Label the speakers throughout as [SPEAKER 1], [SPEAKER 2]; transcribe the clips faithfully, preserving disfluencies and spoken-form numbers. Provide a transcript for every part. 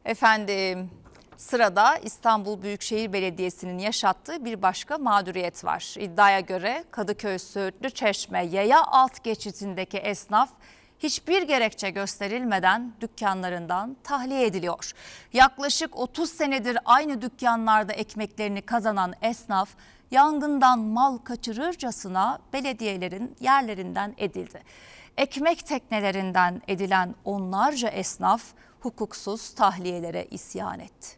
[SPEAKER 1] Efendim, sırada İstanbul Büyükşehir Belediyesi'nin yaşattığı bir başka mağduriyet var. İddiaya göre Kadıköy Söğütlü Çeşme yaya alt geçidindeki esnaf hiçbir gerekçe gösterilmeden dükkanlarından tahliye ediliyor. Yaklaşık otuz senedir aynı dükkanlarda ekmeklerini kazanan esnaf yangından mal kaçırırcasına belediyelerin yerlerinden edildi. Ekmek teknelerinden edilen onlarca esnaf hukuksuz tahliyelere isyan etti.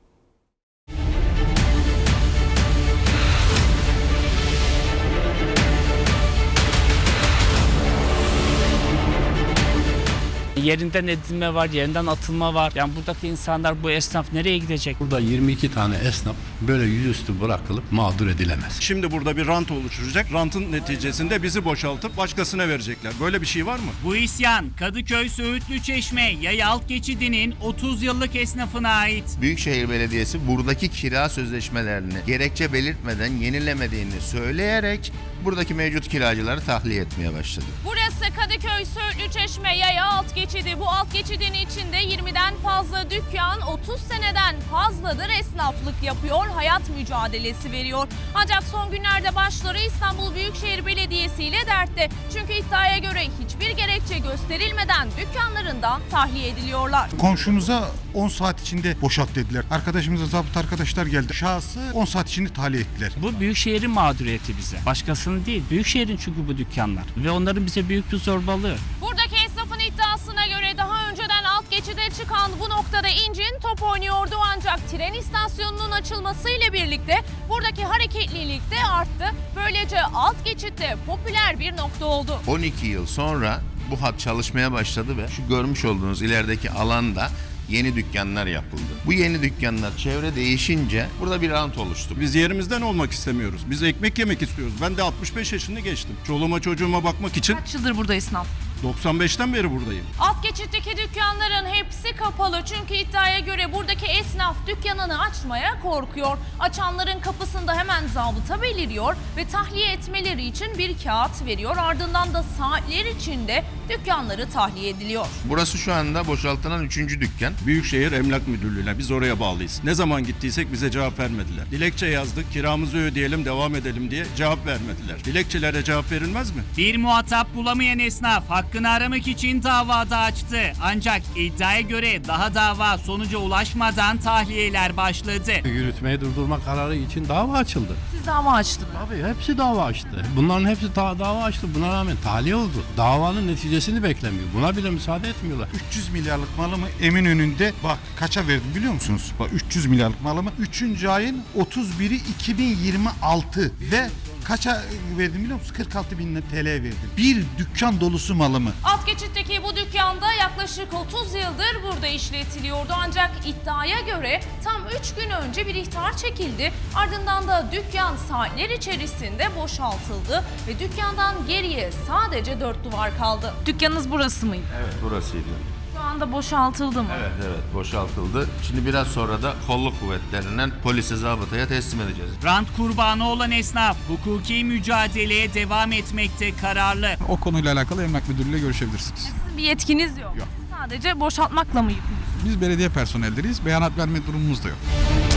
[SPEAKER 2] Yerinden edilme var, yerinden atılma var. Yani buradaki insanlar, bu esnaf nereye gidecek?
[SPEAKER 3] Burada yirmi iki tane esnaf böyle yüzüstü bırakılıp mağdur edilemez.
[SPEAKER 4] Şimdi burada bir rant oluşturacak. Rantın neticesinde bizi boşaltıp başkasına verecekler. Böyle bir şey var mı?
[SPEAKER 5] Bu isyan Kadıköy Söğütlü Çeşme yaya alt geçidinin otuz yıllık esnafına ait.
[SPEAKER 6] Büyükşehir Belediyesi buradaki kira sözleşmelerini gerekçe belirtmeden yenilemediğini söyleyerek buradaki mevcut kiracıları tahliye etmeye başladı.
[SPEAKER 7] Burası Kadıköy Söğütlü Çeşme yaya alt geçidi. Bu alt geçidin içinde yirmiden fazla dükkan otuz seneden fazladır esnaflık yapıyor, hayat mücadelesi veriyor. Ancak son günlerde başları İstanbul Büyükşehir Belediyesi ile dertte. Çünkü iddiaya göre hiçbir gerekçe gösterilmeden dükkanlarından tahliye ediliyorlar.
[SPEAKER 8] Komşumuza on saat içinde boşalt dediler. Arkadaşımıza zabıt arkadaşlar geldi. Şahsı on saat içinde tahliye ettiler.
[SPEAKER 2] Bu Büyükşehir'in mağduriyeti bize. Başkasının değil. Büyükşehir'in çünkü bu dükkanlar. Ve onların bize büyük bir zorbalığı.
[SPEAKER 7] Buradaki esnafın iddiasına göre daha önceden alt geçide çıkan bu noktada incin top oynuyordu, ancak tren istasyonunun açılmasıyla birlikte buradaki hareketlilik de arttı. Böylece alt geçitte popüler bir nokta oldu.
[SPEAKER 6] on iki yıl sonra bu hat çalışmaya başladı ve şu görmüş olduğunuz ilerideki alanda yeni dükkanlar yapıldı. Bu yeni dükkanlar çevre değişince burada bir rant oluştu.
[SPEAKER 4] Biz yerimizden olmak istemiyoruz. Biz ekmek yemek istiyoruz. Ben de altmış beş yaşını geçtim. Çoluğuma çocuğuma bakmak için
[SPEAKER 7] Kaç yıldır burada esnaf?
[SPEAKER 4] doksan beşten beri buradayım.
[SPEAKER 7] Alt geçitteki dükkanların hepsi kapalı, çünkü iddiaya göre buradaki esnaf dükkanını açmaya korkuyor. Açanların kapısında hemen zabıta beliriyor ve tahliye etmeleri için bir kağıt veriyor. Ardından da saatler içinde dükkanları tahliye ediliyor.
[SPEAKER 6] Burası şu anda boşaltılan üçüncü dükkan.
[SPEAKER 4] Büyükşehir Emlak Müdürlüğü'ne biz oraya bağlıyız. Ne zaman gittiysek bize cevap vermediler. Dilekçe yazdık, kiramızı ödeyelim, devam edelim diye cevap vermediler. Dilekçelere cevap verilmez mi?
[SPEAKER 5] Bir muhatap bulamayan esnaf hakkını aramak için davada açtı. Ancak iddiaya göre daha dava sonuca ulaşmadan tahliyeler başladı.
[SPEAKER 3] Yürütmeyi durdurma kararı için dava açıldı.
[SPEAKER 7] Siz dava açtınız.
[SPEAKER 3] Tabii hepsi dava açtı. Bunların hepsi ta- dava açtı. Buna rağmen tahliye oldu. Davanın neticesini beklemiyor. Buna bile müsaade etmiyorlar.
[SPEAKER 8] üç yüz milyarlık malımı Eminönü'nde bak kaça verdim biliyor musunuz? Bak üç yüz milyarlık malımı üçüncü ayın otuz biri iki bin yirmi altı ve kaça verdim biliyor musunuz? kırk altı bin T L verdim. Bir dükkan dolusu malımı.
[SPEAKER 7] Alt geçitteki bu dükkanda yaklaşık otuz yıldır burada işletiliyordu, ancak iddiaya göre tam üç gün önce bir ihtar çekildi. Ardından da dükkan saatler içerisinde boşaltıldı ve dükkandan geriye sadece dört duvar kaldı. Dükkanınız burası mıydı?
[SPEAKER 6] Evet, burasıydı.
[SPEAKER 7] Şu anda boşaltıldı mı?
[SPEAKER 6] Evet evet boşaltıldı. Şimdi biraz sonra da kolluk kuvvetlerinden polise, zabıtaya teslim edeceğiz.
[SPEAKER 5] Rant kurbanı olan esnaf hukuki mücadeleye devam etmekte kararlı.
[SPEAKER 9] O konuyla alakalı Emlak Müdürlüğü'yle görüşebilirsiniz.
[SPEAKER 7] Sizin bir yetkiniz yok.
[SPEAKER 9] Yok.
[SPEAKER 7] Siz sadece boşaltmakla mı yükümlüsünüz?
[SPEAKER 9] Biz belediye personelleriyiz. Beyanat verme durumumuz da yok.